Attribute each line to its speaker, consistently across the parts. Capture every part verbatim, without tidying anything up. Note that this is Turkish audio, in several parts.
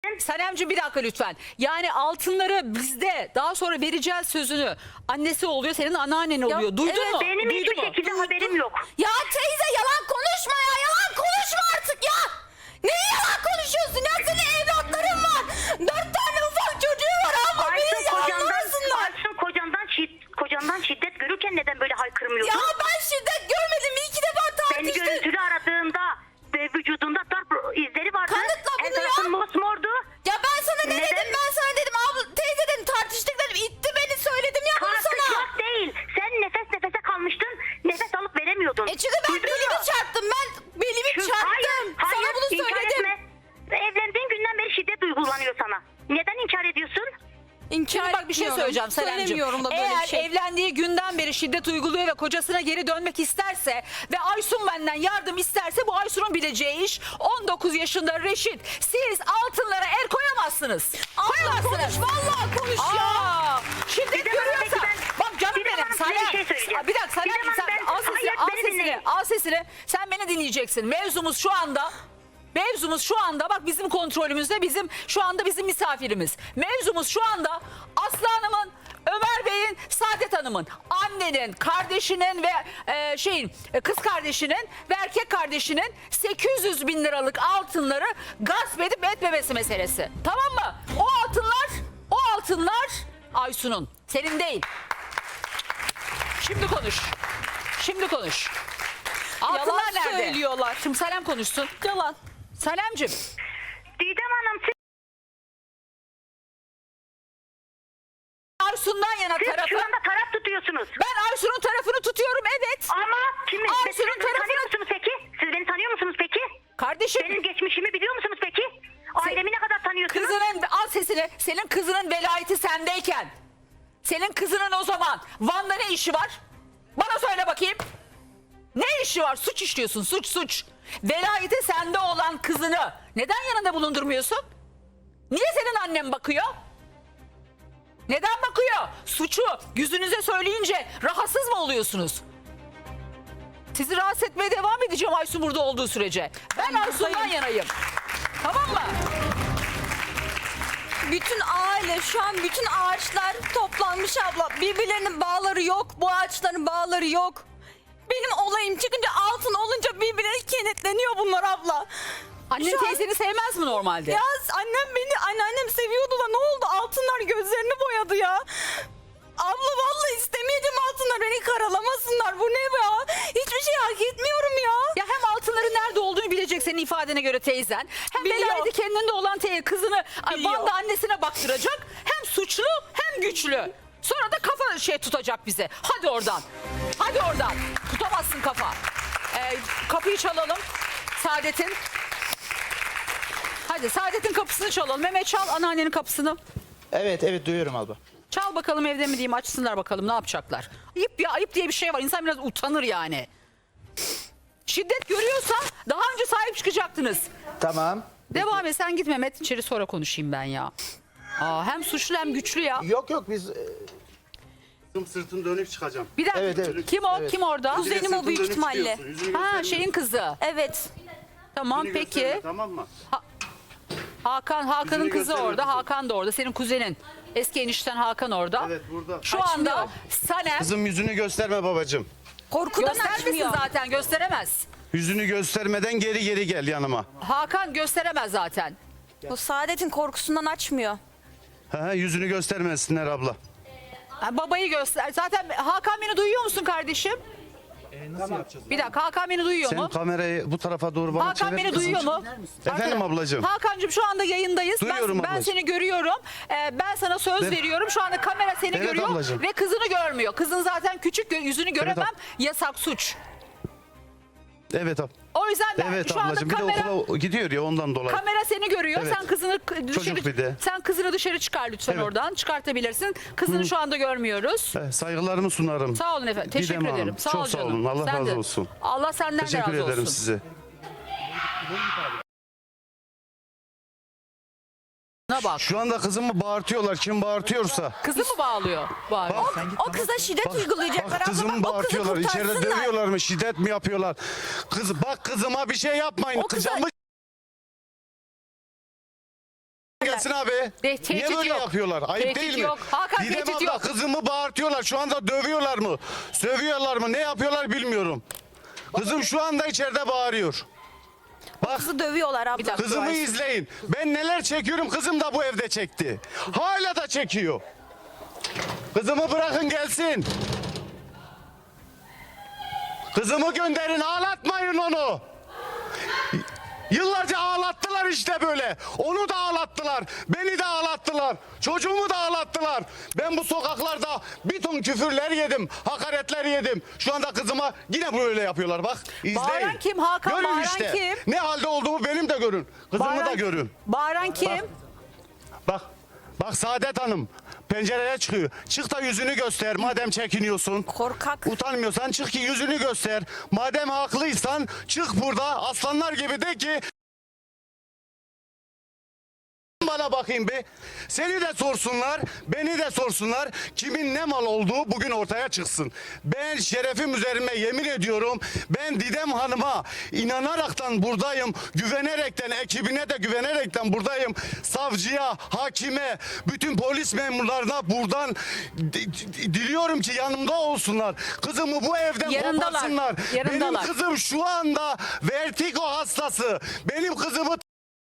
Speaker 1: Sanemciğim bir dakika lütfen. Yani altınları bizde daha sonra vereceğiz sözünü. Annesi oluyor, senin anneannen oluyor. Duydun
Speaker 2: evet,
Speaker 1: mu?
Speaker 2: benim
Speaker 1: Duydun
Speaker 2: hiçbir
Speaker 1: mu?
Speaker 2: şekilde haberim yok.
Speaker 3: Ya teyze yalan konuşma ya. Yalan konuşma artık ya. Neyi yalan konuşuyorsun ya? Senin evlatların var. Dört tane ufak çocuğu var ama beni
Speaker 2: Aysun kocandan,
Speaker 3: yalanlarsınlar.
Speaker 2: Aysun kocandan, şid, kocandan şiddet görürken neden böyle haykırmıyorsun?
Speaker 3: Ya ben şiddet görmedim. İki defa
Speaker 2: Beni
Speaker 3: tartıştık.
Speaker 2: görüntülü aradığında ve vücudunda darp izleri vardı.
Speaker 3: Kanıtla bunu
Speaker 2: En tarafın
Speaker 3: ya.
Speaker 2: mosmordu.
Speaker 3: Ya ben sana ne
Speaker 2: Neden?
Speaker 3: dedim? Ben sana dedim abla teyze dedim tartıştık dedim. İtti beni söyledim ya bunu sana.
Speaker 2: Tartışmak değil. Sen nefes nefese kalmıştın. Nefes alıp veremiyordun.
Speaker 3: E çünkü ben
Speaker 2: Duydun
Speaker 3: belimi
Speaker 2: mu?
Speaker 3: çarptım. Ben belimi
Speaker 2: Şu-
Speaker 3: çarptım.
Speaker 2: Hayır, hayır,
Speaker 3: sana bunu
Speaker 2: inkar
Speaker 3: söyledim.
Speaker 2: etme. Evlendiğin günden beri şiddet uygulanıyor sana. Neden inkar ediyorsun?
Speaker 3: İnkar
Speaker 1: Şimdi bak bir şey
Speaker 3: etmiyorum.
Speaker 1: söyleyeceğim Sanemciğim.
Speaker 3: Söylemiyorum da böyle
Speaker 1: Eğer
Speaker 3: bir şey.
Speaker 1: evlendiği günden beri şiddet uyguluyor ve kocasına geri dönmek isterse ve Aysun benden yardım isterse bu Aysun'un bileceği iş. On dokuz yaşında Reşit. Siz altınlara el koyamazsınız.
Speaker 3: Allah
Speaker 1: Koyamazsınız.
Speaker 3: konuş vallahi konuş ya.
Speaker 1: Aa, şiddet
Speaker 2: Bir de bana
Speaker 1: görüyorsa.
Speaker 2: peki ben-
Speaker 1: Bak canım
Speaker 2: bir de
Speaker 1: benim.
Speaker 2: bana size bir
Speaker 1: Sanem.
Speaker 2: şey söyleyeceğim.
Speaker 1: Aa, Bir dakika
Speaker 2: Bir de
Speaker 1: Sanem
Speaker 2: bana
Speaker 1: sen
Speaker 2: ben-
Speaker 1: al sesini,
Speaker 2: hayır,
Speaker 1: al
Speaker 2: beni
Speaker 1: sesini,
Speaker 2: dinleyin.
Speaker 1: al sesini. Sen beni dinleyeceksin. Mevzumuz şu anda Mevzumuz şu anda bak bizim kontrolümüzde, bizim şu anda bizim misafirimiz. Mevzumuz şu anda Aslı Hanım'ın, Ömer Bey'in, Saadet Hanım'ın, annenin, kardeşinin ve e, şeyin e, kız kardeşinin ve erkek kardeşinin sekiz yüz bin liralık altınları gasp edip etmemesi meselesi. Tamam mı? O altınlar, o altınlar Aysun'un, senin değil. Şimdi konuş. Şimdi konuş. Altınlar
Speaker 3: Yalan
Speaker 1: nerede?
Speaker 3: söylüyorlar.
Speaker 1: Şimdi Salem konuşsun.
Speaker 3: Yalan.
Speaker 1: Salemciğim.
Speaker 2: Didem Hanım siz,
Speaker 1: Aysun'dan yana
Speaker 2: siz
Speaker 1: tarafı.
Speaker 2: şu anda taraf tutuyorsunuz.
Speaker 1: Ben Aysun'un tarafını tutuyorum, evet.
Speaker 2: Ama kimi?
Speaker 1: Aysun'un
Speaker 2: Siz beni
Speaker 1: tarafını-
Speaker 2: tanıyor musunuz peki? Siz beni tanıyor musunuz peki?
Speaker 1: Kardeşim,
Speaker 2: Benim geçmişimi biliyor musunuz peki? Ailemi ne kadar tanıyorsunuz?
Speaker 1: kızının, al sesini, senin kızının velayeti sendeyken, senin kızının o zaman Van'da ne işi var? Bana söyle bakayım. Ne işi var? Suç işliyorsun, suç suç. Velayeti sende olan kızını neden yanında bulundurmuyorsun? Niye senin annen bakıyor? Neden bakıyor? Suçu yüzünüze söyleyince rahatsız mı oluyorsunuz? Sizi rahatsız etmeye devam edeceğim Aysun burada olduğu sürece. Ben Aysun'dan yanayım. Tamam mı?
Speaker 3: Bütün aile şu an bütün ağaçlar toplanmış abla. Birbirlerinin bağları yok. Bu ağaçların bağları yok. Benim olayım çıkınca altın olunca birbirine kenetleniyor bunlar abla.
Speaker 1: Annen
Speaker 3: Şu an-
Speaker 1: teyzeni sevmez mi normalde?
Speaker 3: Ya annem beni anneannem seviyordu da ne oldu? Altınlar gözlerini boyadı ya. Abla vallahi istemeyeceğim altınlar beni karalamasınlar. Bu ne ya? Hiçbir şey hak etmiyorum ya.
Speaker 1: Ya hem altınların nerede olduğunu bilecek senin ifadene göre teyzen. Hem
Speaker 3: Biliyor.
Speaker 1: velayeti kendinde olan teyze kızını
Speaker 3: Biliyor.
Speaker 1: Van'da annesine baktıracak. Hem suçlu hem güçlü. Sonra da kafa şey tutacak bize. Hadi oradan. Hadi oradan. Tutamazsın kafa. Ee, kapıyı çalalım. Saadet'in. Hadi Saadet'in kapısını çalalım. Mehmet çal anneannenin kapısını.
Speaker 4: Evet evet duyuyorum abla.
Speaker 1: Çal bakalım evde mi diyeyim, açsınlar bakalım ne yapacaklar. Ayıp ya, ayıp diye bir şey var. İnsan biraz utanır yani. Şiddet görüyorsa daha önce sahip çıkacaktınız.
Speaker 4: Tamam.
Speaker 1: Devam et, sen git Mehmet, içeri sonra konuşayım ben ya. Aa, hem suçlu hem güçlü ya.
Speaker 4: Yok yok biz e,
Speaker 5: Tüm sırtını dönüp çıkacağım.
Speaker 1: Bir dakika,
Speaker 4: Evet, evet.
Speaker 1: kim o?
Speaker 4: Evet.
Speaker 1: Kim orada?
Speaker 5: Bir de
Speaker 3: Kuzenim o
Speaker 5: sırtını
Speaker 3: büyük
Speaker 5: dönüp
Speaker 3: ihtimalle.
Speaker 5: çıkıyorsun, yüzünü
Speaker 1: Ha,
Speaker 5: gösterme.
Speaker 1: şeyin kızı.
Speaker 3: Evet.
Speaker 1: Tamam
Speaker 5: Yüzünü
Speaker 1: peki.
Speaker 5: gösterme, tamam mı?
Speaker 1: Hakan, Hakan'ın
Speaker 5: Yüzünü
Speaker 1: kızı
Speaker 5: gösterme
Speaker 1: orada,
Speaker 5: kızım.
Speaker 1: Hakan da orada. Senin kuzenin. Eski enişten Hakan orada.
Speaker 5: Evet, burada.
Speaker 1: Şu anda Sanem
Speaker 5: Kızım yüzünü gösterme babacığım.
Speaker 3: Korkudan
Speaker 1: göstermesin
Speaker 3: açmıyor.
Speaker 1: zaten, gösteremez.
Speaker 5: Yüzünü göstermeden geri geri gel yanıma.
Speaker 1: Hakan gösteremez zaten.
Speaker 3: O Saadet'in korkusundan açmıyor.
Speaker 5: Ha, yüzünü göstermesinler abla.
Speaker 1: Ha, babayı göster. Zaten Hakan beni duyuyor musun kardeşim? Bir dakika, Hakan beni duyuyor
Speaker 5: Sen
Speaker 1: mu?
Speaker 5: kamerayı bu tarafa doğru bana
Speaker 1: Hakan
Speaker 5: çevir
Speaker 1: beni
Speaker 5: kızım.
Speaker 1: duyuyor mu?
Speaker 5: Efendim ablacığım.
Speaker 1: Hakan'cığım şu anda yayındayız.
Speaker 5: Duyuyorum
Speaker 1: ben, ben
Speaker 5: ablacığım.
Speaker 1: seni görüyorum. Ee, ben sana söz
Speaker 5: Ben-
Speaker 1: veriyorum. Şu anda kamera seni
Speaker 5: Evet
Speaker 1: görüyor
Speaker 5: ablacığım.
Speaker 1: ve kızını görmüyor. Kızın zaten küçük, gö- yüzünü göremem.
Speaker 5: ab-
Speaker 1: Yasak, suç.
Speaker 5: Evet ab.
Speaker 1: O yüzden ben
Speaker 5: Evet
Speaker 1: şu anda
Speaker 5: ablacığım bir de
Speaker 1: kamera
Speaker 5: okula gidiyor ya ondan dolayı.
Speaker 1: kamera seni görüyor.
Speaker 5: Evet.
Speaker 1: Sen kızını k- dışarı
Speaker 5: Çocuk bir de.
Speaker 1: sen kızını dışarı çıkar lütfen
Speaker 5: Evet.
Speaker 1: oradan. Çıkartabilirsin. Kızını şu anda görmüyoruz.
Speaker 5: Eh, Saygılarımı sunarım.
Speaker 1: Sağ olun efendim.
Speaker 5: Didem
Speaker 1: Teşekkür
Speaker 5: Hanım,
Speaker 1: ederim. Sağ
Speaker 5: çok
Speaker 1: ol
Speaker 5: sağ
Speaker 1: canım.
Speaker 5: olun. Allah
Speaker 1: Sen
Speaker 5: razı
Speaker 1: de.
Speaker 5: olsun.
Speaker 1: Allah senden de
Speaker 5: Teşekkür
Speaker 1: razı
Speaker 5: ederim
Speaker 1: olsun.
Speaker 5: size.
Speaker 1: Ne bak.
Speaker 5: Şu anda kızımı bağırtıyorlar. Kim bağırtıyorsa.
Speaker 1: Kızı mı bağlıyor? Bağırıyor.
Speaker 5: Bak,
Speaker 3: O kıza şiddet uygulayacaklar.
Speaker 5: bak
Speaker 3: abla.
Speaker 5: kızımı
Speaker 3: Bak, o kızı
Speaker 5: bağırtıyorlar. İçeride
Speaker 3: kurtarsınlar.
Speaker 5: dövüyorlar mı? Şiddet mi yapıyorlar? Kız bak kızıma bir şey yapmayın.
Speaker 3: O kıza-
Speaker 5: Kızımı gelsin abi.
Speaker 1: Te-
Speaker 5: Niye
Speaker 1: tehdit
Speaker 5: böyle
Speaker 1: yok.
Speaker 5: yapıyorlar? Ayıp
Speaker 1: Tehdit
Speaker 5: değil mi?
Speaker 1: yok. Hakan,
Speaker 5: Didem
Speaker 1: tehdit
Speaker 5: abla
Speaker 1: yok.
Speaker 5: kızımı bağırtıyorlar. Şu anda dövüyorlar mı? Sövüyorlar mı? Ne yapıyorlar bilmiyorum. Kızım şu anda içeride bağırıyor. Bak
Speaker 3: Kızı dövüyorlar abla.
Speaker 1: Bir dakika.
Speaker 5: kızımı
Speaker 1: Ayşe.
Speaker 5: izleyin. Ben neler çekiyorum, kızım da bu evde çekti. Hala da çekiyor. Kızımı bırakın gelsin. Kızımı gönderin, ağlatmayın onu. Yıllarca ağlattılar işte böyle. Onu da ağlattılar. Beni de ağlattılar. Çocuğumu da ağlattılar. Ben bu sokaklarda bir ton küfürler yedim. Hakaretler yedim. Şu anda kızıma yine böyle yapıyorlar bak. İzleyin.
Speaker 1: Bağıran kim? Hakan,
Speaker 5: görün
Speaker 1: bağıran
Speaker 5: işte.
Speaker 1: kim?
Speaker 5: Ne halde olduğumu benim de görün. Kızımı da görün.
Speaker 1: Bağıran kim?
Speaker 5: Bak. Bak. Bak Saadet Hanım pencereye çıkıyor. Çık da yüzünü göster madem çekiniyorsun.
Speaker 3: Korkak.
Speaker 5: Utanmıyorsan çık ki yüzünü göster. Madem haklıysan çık burada aslanlar gibi de ki bana bakayım bir. Seni de sorsunlar, beni de sorsunlar. Kimin ne mal olduğu bugün ortaya çıksın. Ben şerefim üzerime yemin ediyorum. Ben Didem Hanım'a inanaraktan buradayım. Güvenerekten, ekibine de güvenerekten buradayım. Savcıya, hakime, bütün polis memurlarına buradan di- di- diliyorum ki yanımda olsunlar. Kızımı bu evden
Speaker 1: Yanındalar,
Speaker 5: koparsınlar. Benim
Speaker 1: yanındalar.
Speaker 5: kızım şu anda vertigo hastası. Benim kızımı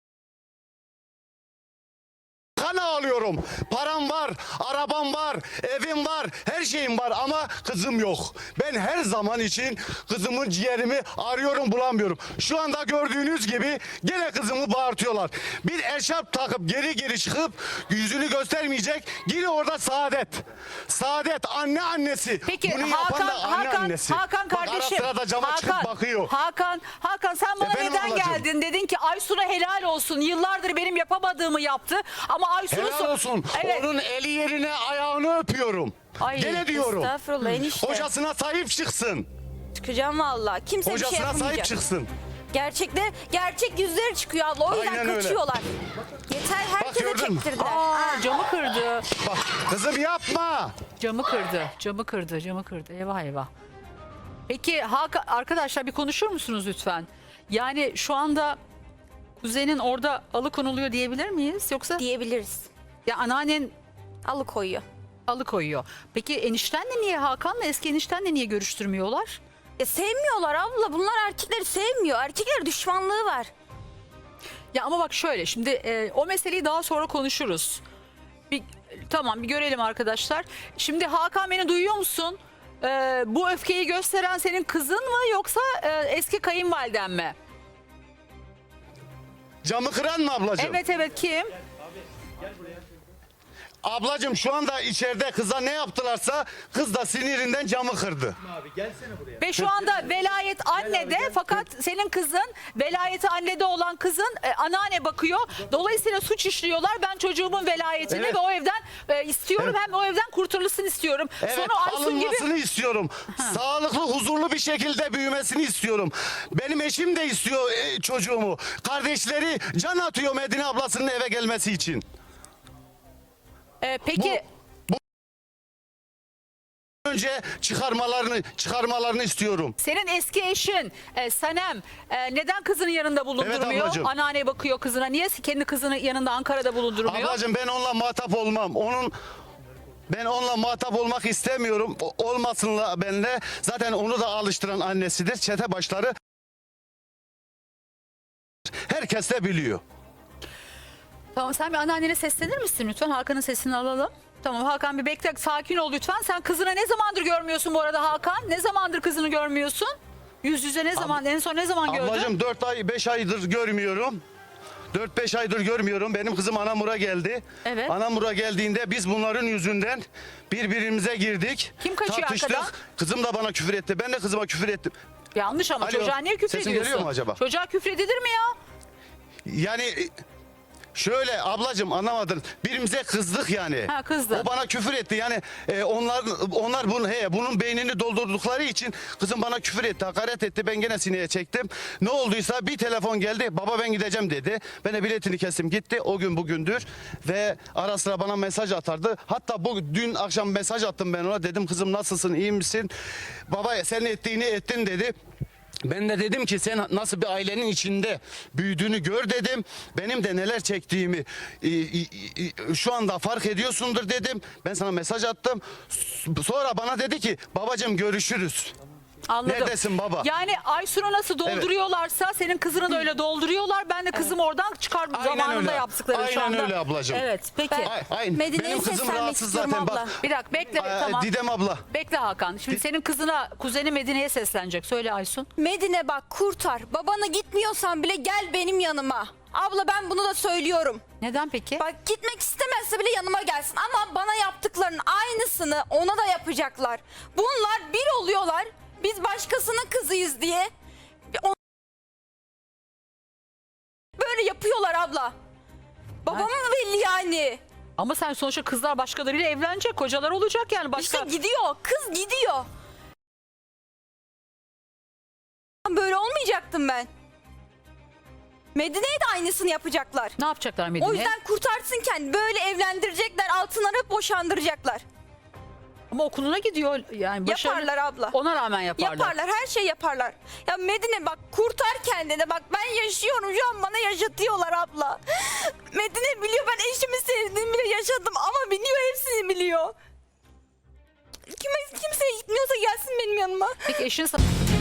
Speaker 5: kan ağlıyorum. Param var, arabam var, evim var, her şeyim var ama kızım yok. Ben her zaman için kızımın ciğerimi arıyorum bulamıyorum. Şu anda gördüğünüz gibi gene kızımı bağırtıyorlar. Bir eşarp takıp geri geri çıkıp yüzünü göstermeyecek. Yine orada Saadet. Saadet anne annesi.
Speaker 1: Peki
Speaker 5: Bunu yapan
Speaker 1: Hakan,
Speaker 5: da anne
Speaker 1: Hakan,
Speaker 5: annesi.
Speaker 1: Hakan
Speaker 5: Bak,
Speaker 1: kardeşim.
Speaker 5: ara sıra da cama çıkıp
Speaker 1: Hakan,
Speaker 5: bakıyor.
Speaker 1: Hakan, Hakan sen bana
Speaker 5: Efendim
Speaker 1: neden
Speaker 5: ablacığım?
Speaker 1: geldin? Dedin ki Aysun'a helal olsun. Yıllardır benim yapamadığımı yaptı. Ama Aysun'u
Speaker 5: Helal
Speaker 1: so-
Speaker 5: olsun.
Speaker 1: Evet.
Speaker 5: Onun eli yerine ayağını öpüyorum.
Speaker 1: Ay,
Speaker 5: Gene diyorum.
Speaker 3: Estağfurullah enişte.
Speaker 5: Hocasına sahip çıksın.
Speaker 3: Çıkacağım valla. Kimse bir şey
Speaker 5: Hocasına sahip
Speaker 3: yapamayacak.
Speaker 5: çıksın.
Speaker 3: Gerçekte gerçek yüzleri çıkıyor abla. O yüzden
Speaker 5: Aynen öyle.
Speaker 3: kaçıyorlar. Yeter herkese
Speaker 5: gördün mü?
Speaker 3: çektirdiler.
Speaker 1: Aa, camı kırdı.
Speaker 5: Bak kızım yapma.
Speaker 1: Camı kırdı. Camı kırdı. Camı kırdı. Eyvah eyvah. Peki Hakan, arkadaşlar bir konuşur musunuz lütfen? Yani şu anda kuzenin orada alıkonuluyor diyebilir miyiz? Yoksa
Speaker 3: Diyebiliriz.
Speaker 1: ya anneannen
Speaker 3: Alıkoyuyor.
Speaker 1: alıkoyuyor. Peki eniştenle niye Hakan'la eski eniştenle niye görüştürmüyorlar?
Speaker 3: Ya sevmiyorlar abla. Bunlar erkekleri sevmiyor. Erkekler düşmanlığı var.
Speaker 1: Ya ama bak şöyle şimdi e, o meseleyi daha sonra konuşuruz. Bir, tamam bir görelim arkadaşlar. Şimdi Hakan beni duyuyor musun? E, bu öfkeyi gösteren senin kızın mı yoksa e, eski kayınvaliden mi?
Speaker 5: Camı kıran mı ablacığım?
Speaker 1: Evet evet kim?
Speaker 5: Ablacığım şu anda içeride kıza ne yaptılarsa kız da sinirinden camı kırdı.
Speaker 1: Ve şu anda velayet annede fakat senin kızın velayeti annede olan kızın e, anneanne bakıyor. Dolayısıyla suç işliyorlar. Ben çocuğumun velayetini
Speaker 5: Evet.
Speaker 1: ve o evden e, istiyorum.
Speaker 5: Evet.
Speaker 1: Hem o evden kurtulmasını istiyorum.
Speaker 5: Evet
Speaker 1: Sonra Aysun gibi
Speaker 5: alınmasını istiyorum. Sağlıklı huzurlu bir şekilde büyümesini istiyorum. Benim eşim de istiyor e, çocuğumu. Kardeşleri can atıyor Medine ablasının eve gelmesi için.
Speaker 1: e, peki
Speaker 5: Önce çıkarmalarını çıkarmalarını istiyorum.
Speaker 1: senin eski eşin e, Sanem e, neden kızının yanında bulundurmuyor?
Speaker 5: ablacığım.
Speaker 1: Anneanneye bakıyor kızına. Niye kendi kızının yanında Ankara'da bulundurmuyor?
Speaker 5: Ablacığım ben onunla muhatap olmam. Onun ben onunla muhatap olmak istemiyorum. O- Olmasınla benle. Zaten onu da alıştıran annesidir. Çete başları herkes de biliyor.
Speaker 1: Tamam sen bir anneannene seslenir misin lütfen? Hakan'ın sesini alalım. Tamam Hakan bir bekle, sakin ol lütfen. Sen kızını ne zamandır görmüyorsun bu arada Hakan? Ne zamandır kızını görmüyorsun? Yüz yüze ne zaman, en son ne zaman gördün?
Speaker 5: Ablacığım dört ay beş aydır görmüyorum. dört beş aydır görmüyorum. Benim kızım Anamur'a geldi.
Speaker 1: Evet.
Speaker 5: Anamur'a geldiğinde biz bunların yüzünden birbirimize girdik.
Speaker 1: Kim kaçıyor
Speaker 5: tartıştık.
Speaker 1: arkadan?
Speaker 5: Kızım da bana küfür etti. Ben de kızıma küfür ettim.
Speaker 1: Yanlış ama
Speaker 5: Alo,
Speaker 1: çocuğa niye küfür
Speaker 5: sesim
Speaker 1: ediyorsun?
Speaker 5: geliyor mu acaba?
Speaker 1: Çocuğa küfür edilir mi ya?
Speaker 5: Yani şöyle ablacığım anlamadın. Birimize kızdık yani.
Speaker 1: Ha, kızdın.
Speaker 5: O bana küfür etti. Yani e, onlar onlar bunu he bunun beynini doldurdukları için kızım bana küfür etti, hakaret etti. Ben gene sineye çektim. Ne olduysa bir telefon geldi. Baba ben gideceğim dedi. Ben de biletini kestim gitti. O gün bugündür ve ara sıra bana mesaj atardı. Hatta bu dün akşam mesaj attım ben ona. Dedim kızım nasılsın? İyi misin? Baba sen ettiğini ettin dedi. Ben de dedim ki sen nasıl bir ailenin içinde büyüdüğünü gör dedim. Benim de neler çektiğimi e, e, e, şu anda fark ediyorsundur dedim. Ben sana mesaj attım. S- Sonra bana dedi ki babacığım görüşürüz.
Speaker 1: Anladım.
Speaker 5: Neredesin baba?
Speaker 1: Yani Aysun'u nasıl dolduruyorlarsa senin kızını da öyle dolduruyorlar. Ben de kızım oradan çıkar
Speaker 5: Aynen
Speaker 1: zamanında
Speaker 5: öyle.
Speaker 1: yaptıkları şu
Speaker 5: Aynen
Speaker 1: anda.
Speaker 5: öyle ablacığım.
Speaker 1: Evet peki.
Speaker 5: Ay, ay,
Speaker 3: Medine'ye
Speaker 5: benim kızım
Speaker 3: seslenmek
Speaker 5: rahatsız
Speaker 3: istiyorum
Speaker 5: zaten
Speaker 3: abla.
Speaker 5: bak.
Speaker 1: Bir dakika bekle
Speaker 5: Aa,
Speaker 1: tamam.
Speaker 5: Didem abla.
Speaker 1: Bekle Hakan. Şimdi senin kızına kuzeni Medine'ye seslenecek. Söyle Aysun.
Speaker 3: Medine bak kurtar. Babana gitmiyorsan bile gel benim yanıma. Abla ben bunu da söylüyorum.
Speaker 1: Neden peki?
Speaker 3: Bak gitmek istemezse bile yanıma gelsin. Ama bana yaptıklarının aynısını ona da yapacaklar. Bunlar bir oluyorlar. Biz başkasının kızıyız diye. O- Böyle yapıyorlar abla. Babamın belli yani.
Speaker 1: Ama sen sonuçta kızlar başkalarıyla evlenecek. Kocalar olacak yani. Başka...
Speaker 3: İşte gidiyor. Kız gidiyor. Böyle olmayacaktım ben. Medine'ye de aynısını yapacaklar.
Speaker 1: Ne yapacaklar Medine'ye?
Speaker 3: O yüzden kurtarsın kendini. Böyle evlendirecekler, altınları boşandıracaklar.
Speaker 1: Ama okuluna gidiyor. Yani başarılı-
Speaker 3: Yaparlar abla.
Speaker 1: Ona rağmen yaparlar.
Speaker 3: Yaparlar, her şey yaparlar. Ya Medine bak kurtar kendini. Bak ben yaşıyorum şu an bana yaşatıyorlar abla. Medine biliyor ben eşimi sevdiğimi bile yaşadım ama biliyor hepsini biliyor. Kime, kimseye gitmiyorsa gelsin benim yanıma.
Speaker 1: Peki eşin sana...